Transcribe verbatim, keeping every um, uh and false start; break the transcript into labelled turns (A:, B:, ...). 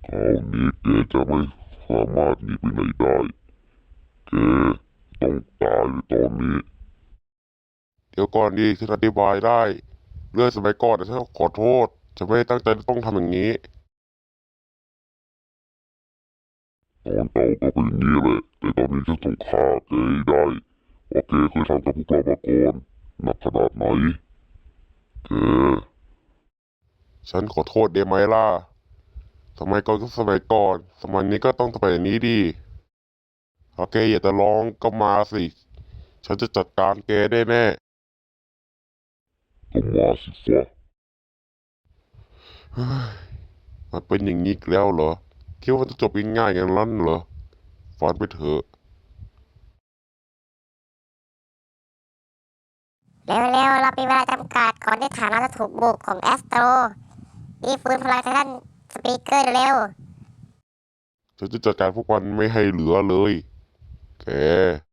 A: คราวนี้แกจะไม่สามารถหนีไปไหนได้แกต้องตายในตอนนี้เดี๋ยวก่อนดีฉันอธิบายได้เรื่องสมัยก่อนนะฉันขอโทษฉันไม่ได้ตั้งใจต้องทำอย่างนี้ตอนเก่าก็เป็นอย่างนี้แหละแต่ตอนนี้ฉันต้องฆ่าแกให้ได้ว่าแกเคยทำกับพวกเรามาก่อนหนักขนาดไหนแกฉันขอโทษได้ไหมล่ะสมัยก่อนก็สมัยก่อนสมัยนี้ก็ต้องสมัยนี้ดีถ้าแกอยากจะลองก็มาสิฉันจะจัดการแกได้แน่ก็มาสิฟ้าเฮ้ยมันเป็นอย่างนี้อีกแล้วเหรอคิดว่าจะจบง่ายๆอย่างนั้นเหรอฝันไปเถอะ
B: เร็วๆเรามีเวลาจำกัดก่อนที่ฐานเราจะถูกบุกของแอสโตรรีบฟื้นพลังทางด้านสปีกเกอร์เร็ว
A: ฉันจะจัดการพวกมันไม่ให้เหลือเลยแก